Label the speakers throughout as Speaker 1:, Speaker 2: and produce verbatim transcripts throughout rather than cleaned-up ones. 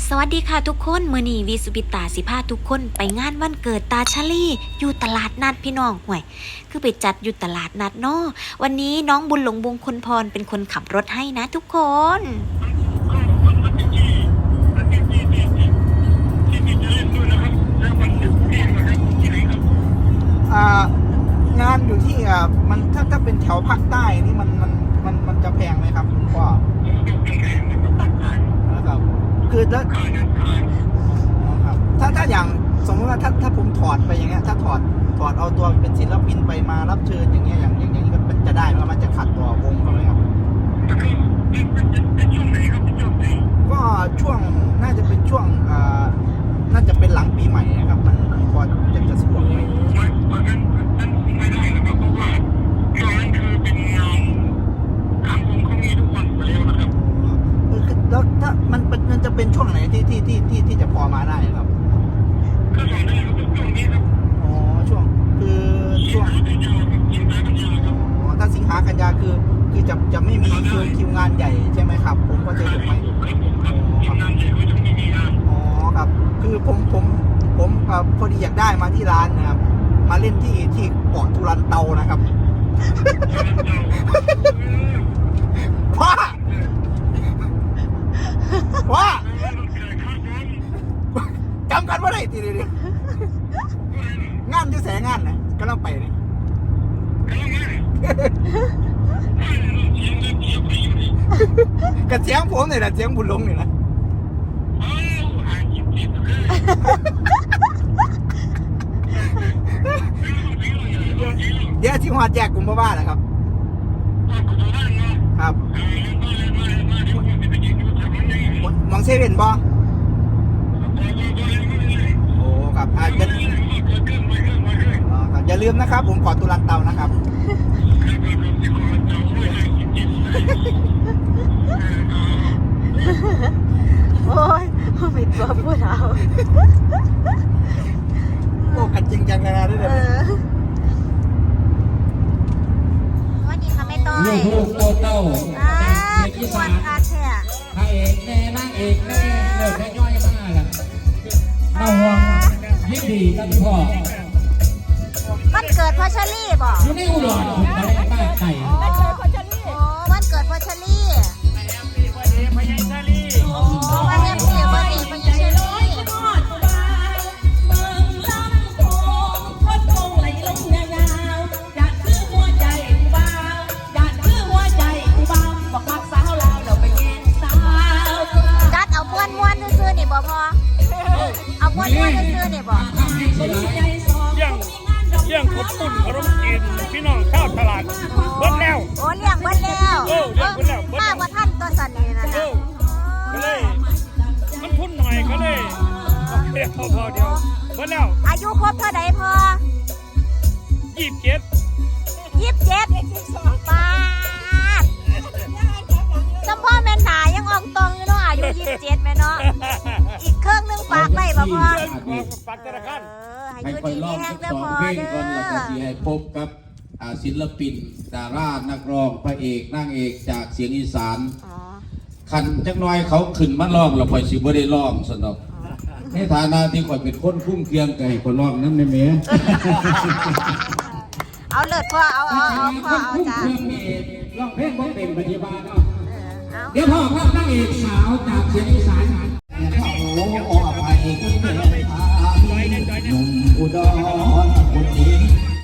Speaker 1: สวัสดีค่ะทุกคนมื้อนี้วีสุปิตาสิพาทุกคนไปงานวันเกิดตาชลีอยู่ตลาดนัดพี่น้องห่วยคือไปจัดอยู่ตลาดนัดเนาะวันนี้น้องบุญหลงบงคนพรเป็นคนขับรถให้นะทุกคน
Speaker 2: งานอยู่ที่อ่ามันถ้าถ้าเป็นแถวภาคใต้นี่มันมันมันมันจะแพงไหมครับคุณพ่อนะครับคือแล้วครับถ้าถ้าอย่างสมมติว่าถ้าถ้าผมถอดไปอย่างเงี้ยถ้าถอดถอดเอาตัวเป็นศิลปินไปมารับเชิญอย่างเงี้ยอย่างอย่างอย่างนี้มันจะได้ไหมมันจะขัดต่อวงเขาไหมครับก็ช่วงน่าจะเป็นช่วงอ่าน่าจะเป็นหลังปีใหม่นะครับมันพอจะจะสะดวกไหมแล้วถ้ามันมันจะเป็นช่วงไหนที่ที่ที่ที่ที่จะพอมาได้ครับก็ช่วงนี้ครับช่วงนี้ครับอ๋อช่วงคือช่วงอ๋อถ้าสิงหากันยาคือคือจะจะไม่มีคิวคิวงานใหญ่ใช่ไหมครับผมก็จะถูกไหมอ๋อครับคือผมผมผมพอดีอยากได้มาที่ร้านนะครับมาเล่นที่ที่เกาะทุรันเตานะครับว้าว้าจำกันว่าไรทีเดียวงานจะแสงานนะก็ต้องไปเลยกระเสียงผมเนี่ยนะเสียงบุญหลงเนี่ยนะเดี๋ยวที่หัวแจกกลุ่มบ้าๆนะครับครับมองเซเว่นบอโอ้ครับอาจจะอย่าลืมนะครับผมขอตุลันเตานะครับ
Speaker 1: โอ้ยปิดตัวพูดเอา
Speaker 2: โอ้กันจริงจังนะด้วยเด็ด
Speaker 1: วันนี้ค่ะแม่ต้อย
Speaker 3: ลูกโตเต้า
Speaker 1: จากเด็กอีสาน
Speaker 3: พระเอกแน่นางเอกแน่เลิกแค่ย่อยมากล่ะมาห่วงยินดีกันพ่อ
Speaker 1: วันเกิดพ่อชลี่บอก
Speaker 3: อยู่ในอุดรผมไปบ้านไก่
Speaker 1: วันเกิดพ่อชลี่โอ้วันเกิดพ่อชลี่วันเกิดพ่อชลี่โอ้วันเกิดพ่อชลี่วันเกิดพ่อชลี่จัดเอาม้วนม้วนซื่อๆนี่บ่พอเอาม้วนม้วนซื่อๆนี่บ่
Speaker 4: เลี้ยงเลี้ยงขบปุ่นขนมจีนพี่น้องข้าวตลาดเบิ้ลแล้ว
Speaker 1: โอ้เลี้ยงเบิ้ลแล้ว
Speaker 4: เออเลี้ยงเบิ้ลแล้ว
Speaker 1: มากกว่าท่านตัวสันนี่นะนะ
Speaker 4: ก็เลยมันพุ่นหน่อยก็เลยเดียวพอเดียวเบิ้ลแล้ว
Speaker 1: อายุครบเท่าใดพอ
Speaker 4: ยี่สิบเจ็ด
Speaker 1: ยี่สิบเจ็ดป้าจำพ่อแม่หนายังออกตรงอยู่เนาะอายุยี่สิบเจ็ดแม่เนาะอีกเครื่องนึงฝากไว้บ่พอ
Speaker 4: ฝากธนาคาร
Speaker 3: ให้คอยรอบสักสองเพลงก่อนแล้วก็ที่ให้พบกับศิลปินดารานักร้องพระเอกนางเอกจากเสียงอีสานขันจักน้อยเขาขึ้นมาร้องเราคอยสิบ่ได้ร้องสนอกในฐานะที่คอยเป็นคนคุ้มเคียงไก่คนร้องนั่นไม่เมีย
Speaker 1: เอาเลิศพ่อเอาเอาเอาพ่อเอาจ้า
Speaker 3: ร้องเพลงบ่เป็นปฏิบัติเดี๋ยวพ่อครับนางเอกสาวจากเสียงอีสานโอ้โหไปคุณเป็นหนุ่มอุดรคนนี้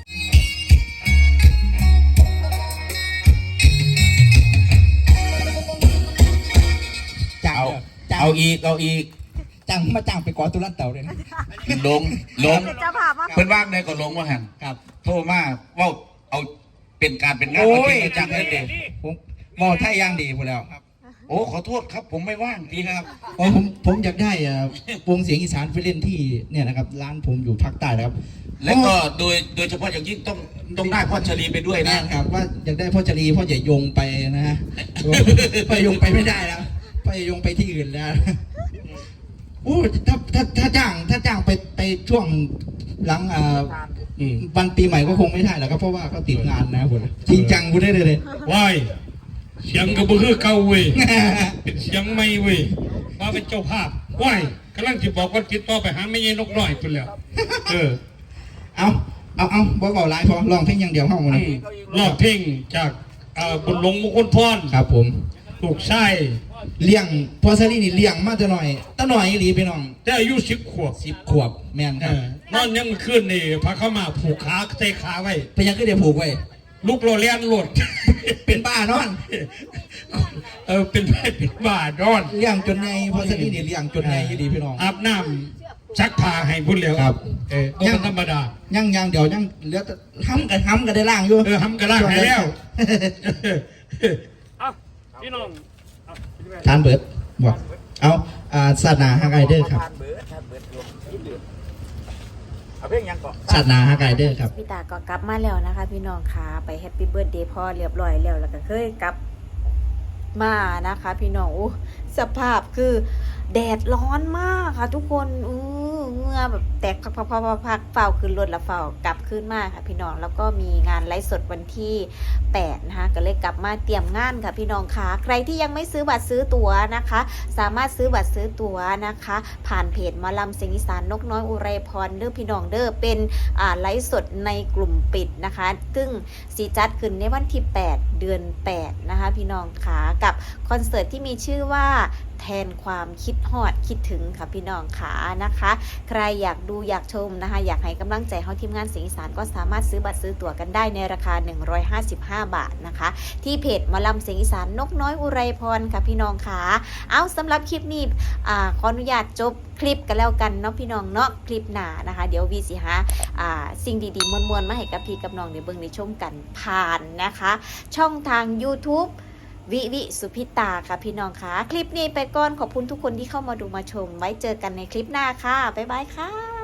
Speaker 2: เอาเอาอีกเอาอีกจังมาจังไปกอตุลันเต่าเลยนะ
Speaker 5: ลงลงเพื่อนว่างได้ก็ลงว่าหัน
Speaker 2: ครับ
Speaker 5: โทรมาว่าเอาเป็นการเป็นงานเอาที่จังเลยเด็ก
Speaker 2: ผมมอไทยย่างดีหมดแล้ว
Speaker 5: โอ้ขอโทษครับผมไม่ว่างทีครับ
Speaker 2: ผมผมอยากได้วงเสียงอีสานไปเล่นที่เนี่ยนะครับร้านผมอยู่ภาคใต้นะครับ
Speaker 5: แล้วก็โดยโดยเฉพาะอย่างยิ่งต้องต้องได้พ่อชลีไปด้วย
Speaker 2: นะครับว่าอยากได้พ่อชลีพ่อใหญ่ยงไปนะฮะพ่อยงไปไม่ได้แล้วพ่อยงไปที่อื่นแล้วโอ้ถ้าถ้าถ้าจ้างถ้าจ้างไปไปช่วงหลังวันปีใหม่ก็คงไม่ได้แล้วครับเพราะว่าเขาติดงานนะคุณจริงจังคุณได้เลย
Speaker 4: ว้าย เสียงก็บ่คือเก่าเว้ยเป็นเสียงใหม่เว้ยมาเป็นเจ้าภาพว้ายกำลังจะบอกว่าจิตต่อไปหาไม่ยีนกน้อยพุ่นแล้วเออ
Speaker 2: เอาเอาเอาบอกเบาหลายพอลองเพลงอย่างเดียวห้องนะ
Speaker 4: รอบเพลงจากอ่าบุญหลงมงคลพร
Speaker 2: ครับผม
Speaker 4: ลูกชาย
Speaker 2: เลี้ยงพอซารีนี่เลี้ยงมาจะหน่อยตะหน่อยอีหลีพี่น้อง
Speaker 4: แต่อายุสิบขวบ
Speaker 2: สิบขวบแม่น
Speaker 4: เอ
Speaker 2: ครับ
Speaker 4: อนอนยังมือขึ้นนี่พาเข้ามาผูกขาเตะขาไว้
Speaker 2: เป็นยังก็เดี๋ยวผูกไว้
Speaker 4: ลูกโรเลียนหลด
Speaker 2: เป็นบ้านอน
Speaker 4: เออเป็นแม่เป็นบ้านอน
Speaker 2: เลี้ยงจนไงพอซารีนี่เลี้ยงจนไงอีหลีพี่น้อง
Speaker 4: อาบน้ำชักผ้าให้พุ่นแล้ว
Speaker 2: ครับ
Speaker 4: เออบ่เป็นธรรมดา
Speaker 2: ยังยังเดี๋ยวยังเหลือแต่ทำกันทำกันได้ล่างอยู่
Speaker 4: เออทำกระล่างให้แล้วอ่ะพี่น้อง
Speaker 2: ทานเบิร์ดบอกเอาอ่าศาสนาฮากไกเดอร์ครับศาสนาฮากไกเดอร์ครับ
Speaker 1: พี่ตาก็กลับมาแล้วนะคะ พี่น้องค่ะไปแฮปปี้เบิร์ดเดย์พ่อเรียบร้อยแล้วแล้วก็เคยกลับมานะคะ พี่น้องอู้สภาพคือแดดร้อนมากค่ะ ทุกคนอู้เหงื่อแบบแตกพักพักพักพักพักเฝ้าขึ้นรถแล้วเฝ้ากลับขึ้นมาค่ะ พี่น้องแล้วก็มีงานไลฟ์สดวันที่แปดนะคะก็เลยกลับมาเตรียมงานค่ะพี่น้องค่ะใครที่ยังไม่ซื้อบัตรซื้อตั๋วนะคะ สามารถซื้อบัตรซื้อตั๋วนะคะ ผ่านเพจหมอลำเสียงอีสานนกน้อยอุไรพรเด้อพี่น้องเด้อเป็นอ่าไลฟ์สดในกลุ่มปิดนะคะ ซึ่งสีจัดขึ้นในวันที่แปดเดือนแปดนะคะพี่น้องค่ะกับคอนเสิร์ตที่มีชื่อว่าแทนความคิดฮอดคิดถึงค่ะพี่น้องค่ะนะคะ ใครอยากดูอยากชมนะคะอยากให้กำลังใจเฮาทีมงานเสียงอีสานก็สามารถซื้อบัตรซื้อตั๋วกันได้ในราคาหนึ่งร้อยห้าสิบห้าบาทนะคะที่เพจหมอลำเสียงอีสานนกน้อยอุไรพรค่ะพี่น้องค่ะเอาสำหรับคลิปนี้อ่าขออนุญาตจบคลิปกันแล้วกันเนาะพี่น้องเนาะคลิปหน้านะคะเดี๋ยววีสิหาอ่าสิ่งดีๆมวลๆมาให้กับพี่กับน้องในเบิ่งในชมกันผ่านนะคะ ช่องทาง YouTubeวิวิสุพิตาค่ะพี่น้องค่ะคลิปนี้ไปก่อนขอบคุณทุกคนที่เข้ามาดูมาชมไว้เจอกันในคลิปหน้าค่ะบ๊ายบายค่ะ